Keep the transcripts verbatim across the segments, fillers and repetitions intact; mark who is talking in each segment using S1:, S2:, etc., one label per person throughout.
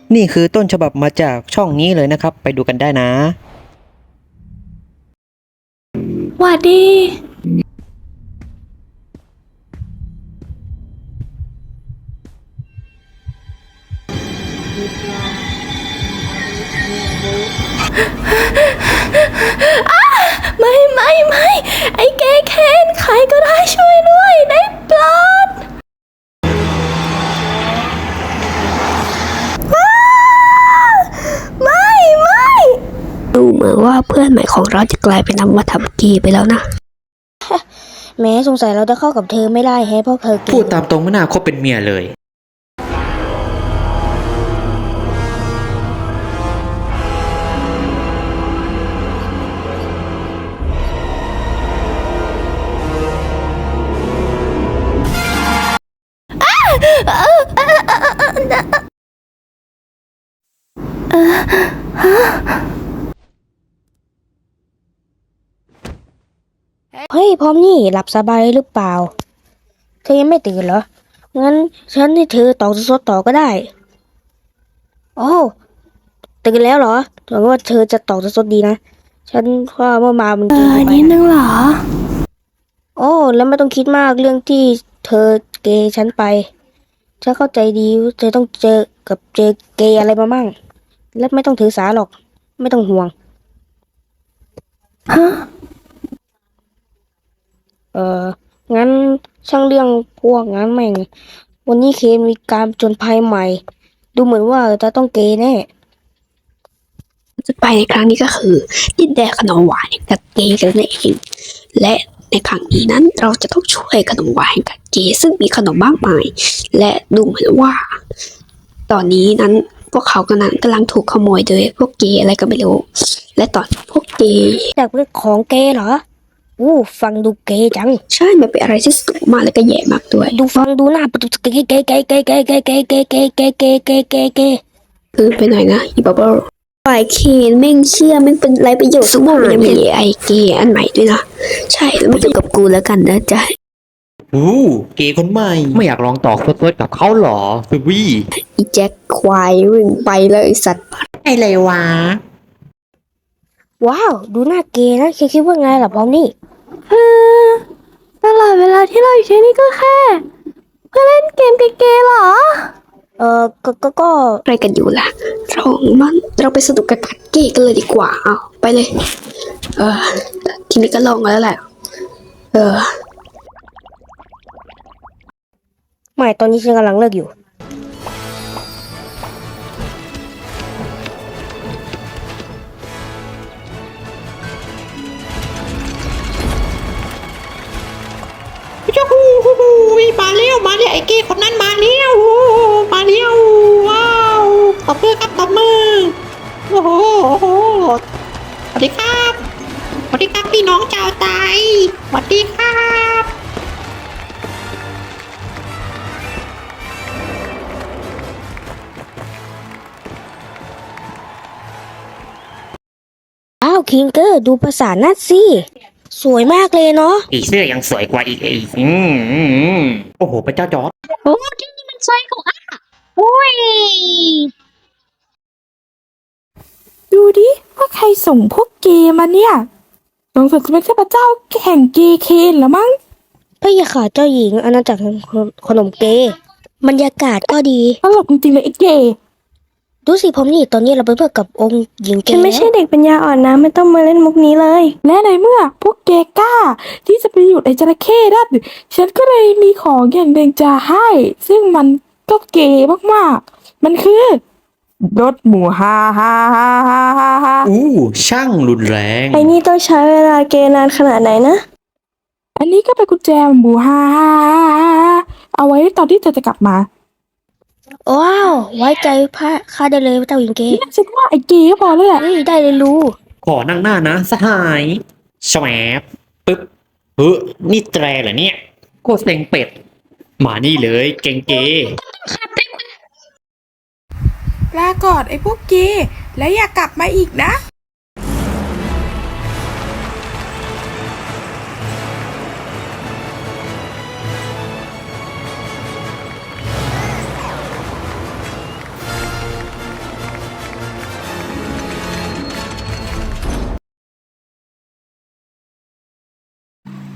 S1: นี่คือต้นฉบับมาจากช่องนี้เลยนะครับไปดูกันได้นะ
S2: หวัดดีไม่ไม่ไม่ไอ้เกเคนใครก็ได้ช่วยด้วยได้โปรดไม่ไม่ดูเหมือนว่าเพื่อนใหม่ของเราจะกลายเป็นนำมาทำกีไปแล้วนะแม้สงสัยเราจะเข้ากับเธอไม่ได้แฮะเพราะเธอ
S1: พูดตามตรงไม่น่าคบเป็นเมียเลย
S2: เฮ้ยพร้อมนี่หลับสบายหรือเปล่าเธอยังไม่ตื่นเหรองั้นฉันให้เธอต่อสดต่อก็ได้โอ้ตื่นแล้วเหรอหวังว่าเธอจะต่อสดดีนะฉันว่าเมื่อมามันกินไปนิดนึงเหรอโอ้แล้วไม่ต้องคิดมากเรื่องที่เธอเกย์ฉันไปฉันเข้าใจดีว่าเธอต้องเจอกับเจอเกย์อะไรมามั่งและไม่ต้องถือสาหรอกไม่ต้องห่วงฮะเอองั้นช่างเรื่องพวกงั้นแม่งวันนี้เคนมีการผจญภัยใหม่ดูเหมือนว่าจะต้องเกย์แน่จะไปในครั้งนี้ก็คือดินแดนขนมหวานแห่งกัดเกย์กันนั่นเองและในครั้งนี้นั้นเราจะต้องช่วยขนมหวานแห่งกัดเกย์ซึ่งมีขนมมากมายและดูเหมือนว่า ตอนนี้นั้นพวกเขากำลังกำลังถูกขโมยโดยพวกเกย์อะไรก็ไม่รู้และตอนพวกเกย์จากเรื่องของเกย์เหรออู้ฟังดูเกย์จังใช่มันเป็นอะไรที่สนุกมากและก็แย่มากด้วยดูฟังดูหน้าเป็นเกย์เกย์เกย์เกย์เกย์เกย์เกย์เกย์เกย์เกย์เกย์เกย์เกย์เกย์คือไปหน่อยนะอีบับเบิ้ลฝ่ายเคนแม่งเชื่อแม่งเป็นไรประโยชน์ทุกอย่างมันยังมีไอเกย์อันใหม่ด้วยนะใช่แล้วมันอยู่กับกูแล้วกันนะจ๊ะ
S1: อู้เกย์คนใหม่ไม่อยากลองต่อสดๆกับเขาหรอฟิวี่
S2: อีแจ็คควายวิ่งไปเลยไอ้สัตว์
S1: ไอ้เลยวะ
S2: ว้าวดูหน้าเกย์นะเคคิดว่าไงล่ะพร้อมนี่คือตลอดเวลาที่เราอยู่ที่นี่ก็แค่เพื่อเล่นเกมเกย์ๆหรอเออก็ก็ก็อะไรกันอยู่ล่ะเรามันเราไปสนุกกับกัดเกย์กันเลยดีกว่าเอาไปเลยเออทีนี้ก็ลองแล้วแหละเออไม่ตอนนี้ฉันกำลังเลิกอยู่
S1: จ้าฮูฮูฮูมาเร็วมาเร็วไอ้เกย์คนนั้นมาเร็วมาเร็วว้าวตบมือครับตบมือโอ้โหโอ้โหสวัสดีครับสวัสดีครับพี่น้องชาวไทยสวัสดีครับ
S2: อ้าวคิงเกอร์ดูภาษาหน้าสิสวยมากเลยเนาะ
S1: อีเสื้อยังสวยกว่าอีกอีกอืมอืมอืมโอ้โหพระเจ้าจอร์จ
S3: โอ้ที่นี่มันสวยกว่าโอ้ย
S4: ดูดิว่าใครส่งพวกเกย์มาเนี่ยสงสัยจะเป็นเทพเจ้าแห่งเกย์เคนเหรอมั้ง
S2: พระยาค่ะเจ้าหญิงอาณาจักรแห่งขนมเกย์บรรยากาศก็ดี
S4: ตลกจริงๆเลยไอ้เกย์
S2: ดูสิผมนี่ตอนนี้เราเป็นเพื่อนกับองค์หญิงเกย์
S4: ฉันไม่ใช่เด็กปัญญาอ่อนนะไม่ต้องมาเล่นมุกนี้เลย และในเมื่อพวกเกย์กล้า ที่จะไปอยู่ในจระเข้ได้ฉันก็เลยมีของอย่างหนึ่งจะให้ ซึ่งมันก็เกย์มากๆ มันคือรถหมูฮ่าฮ่าฮ่าฮ่าฮ่าฮ่า
S1: อู้ช่างรุนแรง
S4: ไอ้นี่ต้องใช้เวลาเกย์นานขนาดไหนนะ อันนี้ก็เป็นกุญแจหมูฮ่าฮ่าฮ่าฮ่าเอาไว้ตอนที่เธอจะกลับมา
S2: ว้าวไว้ใจพระข้าได้เลยเจ้าหญิงเกย์
S4: ฉันว่าไอ้เกย์ก็พอแล้วแหละ
S2: เฮ้ยได้เลยรู้
S1: ขอนั่งหน้านะสหายแฉวบปึ๊บเฮ้ยนี่แตรเหรอเนี่ยโคตรเซ็งเป็ด มานี่เลยเก่งเก
S4: ลาก่อนไอ้พวกเกย์และอย่ากลับมาอีกนะ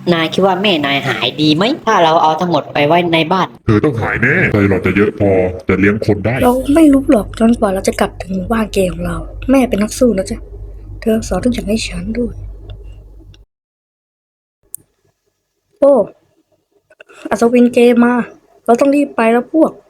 S1: นายคิดว่าแม่นายหายดีไหมถ้าเราเอาทั้งหมดไปไว้ในบ้าน
S5: เธอต้องหายแน่ใจเราจะเยอะพอจะเลี้ยงคนได้
S2: เราไม่รู้หรอกจนกว่าเราจะกลับถึงหมู่บ้านเกย์ของเรา แม่เป็นนักสู้นะจ๊ะ เธอสอนทุกอย่างให้ฉันด้วย โอ้อัศวินเกย์มา เราต้องรีบไปแล้วพวก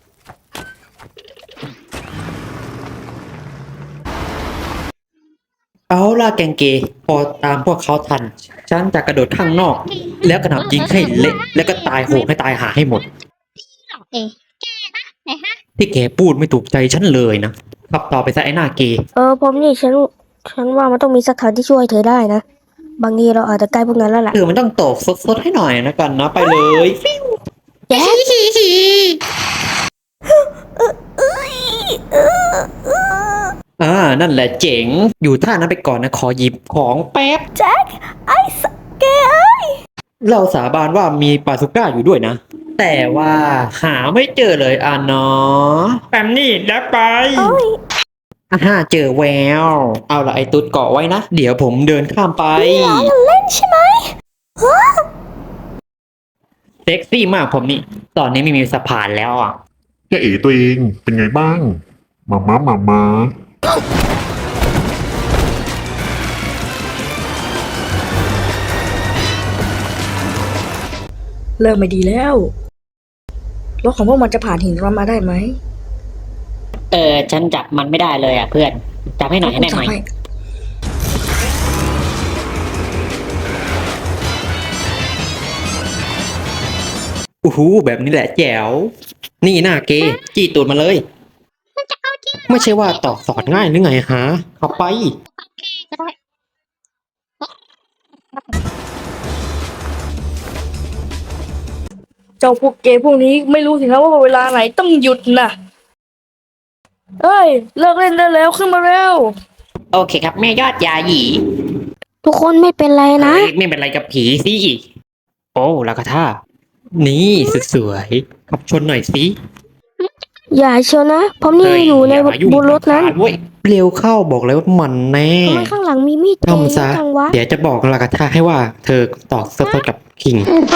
S1: เอาล่ะแกงเกพอตามพวกเขาทัน ฉันจะกระโดดข้างนอก แล้วกระหน่ำยิงให้เละแล้วก็ตายโหงให้ตายหาให้หมด
S3: เอ๊ะแกนะไหนฮะ
S1: ที่แกพูดไม่ถูกใจฉันเลยนะขับต่อไปซะไอ้หน้าเก
S2: เออผมนี่ฉัน ฉันว่ามันต้องมีสักทางที่ช่วยเธอได้นะ บางทีเราอาจจะใกล้พวกนั้นแล้วแหละ
S1: เออมันต้องตกสดๆให้หน่อยนะกันนะไปเลย
S2: แจ๊ค
S1: อ่านั่นแหละเจ๋ง อยู่ท่านั้นไปก่อนนะขอหยิบของแป๊บ
S2: แจ็คไอ้สเกย์เอ้ย
S1: เราสาบานว่ามีปาสุก้าอยู่ด้วยนะ แต่ว่าหาไม่เจอเลยอ่ะเนาะแปมนี่แล้วไปอ่าฮ่าเจอแวว เอาละไอ้ตุ๊ดเกาะไว้นะ เดี๋ยวผมเดินข้ามไป
S2: เล่นใช่ไหม
S1: เซ็กซี่มากผมนี่ ตอนนี้ไม่มีสะพานแล้วอ่ะ
S5: แกเอ๋ตัวเองเป็นไงบ้างมาม้ามาม้า
S2: เริ่มไม่ดีแล้วรถของพวกมันจะผ่านหินเรามาได้ไหม
S1: เออ ฉันจับมันไม่ได้เลยอ่ะเพื่อน จับให้หน่อยให้ได้ไหม โอ้โหแบบนี้แหละแจ๋ว นี่หน้าเกจี้ตูดมาเลย
S3: มันจะเอาจริง
S1: ไม่ใช่ว่าตอกสอดง่ายหรือไงฮะเอาไป
S3: โอเคก็ได้
S2: เจ้าพวกเกย์พวกนี้ไม่รู้สินะว่าเวลาไหนต้องหยุดนะเอ้ย เลิกเล่นได้แล้วขึ้นมาเร็ว
S1: โอเคครับแม่ยอดยาหยี
S2: ทุกคนไม่เป็นไรนะ
S1: เฮ้ยไม่เป็นไรกับผีสิ โอ้ลากาท่า นี่สุดสวยขับชนหน่อยสิ
S2: อย่าเชียวนะ ผมนี่
S1: เฮ้
S2: อยู่ใน
S1: ามายุ่ง
S2: บนรถนั้น
S1: กับทางเว้ยเร็วเข้าบอกเลยว่ามันแน่
S2: ทำไมข้างหลังมีมีดแทง
S1: ทำซะ
S2: จังวะ
S1: เดี๋ยวจะบอกลากาท่าให้ว่า เธอตอกสดๆกับคิง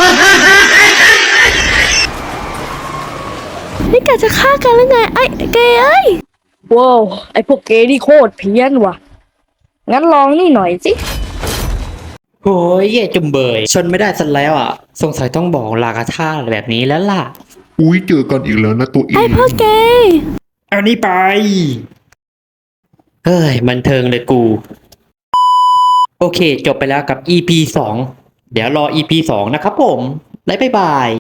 S2: นี่กะจะฆ่ากันหรือไงไอ้เกย์เอ้ยว้าวไอ้พวกเกย์นี่โคตรเพี้ยนว่ะ งั้นลองนี่หน่อยสิ
S1: โอ้ยแย่จุมเบย ชนไม่ได้ซะแล้วอ่ะ สงสัยต้องบอกลากาท่าแบบนี้แล้วล่ะ
S5: อุ้ยเจอกันอีกแล้วนะตัวเอง
S2: เกย์
S1: เอานี่ไป เฮ้ย บันเทิงเลยกู โอเค จบไปแล้วกับ อี พี สอง เดี๋ยวรอ อี พี สองนะครับผม แล้วบ๊ายบาย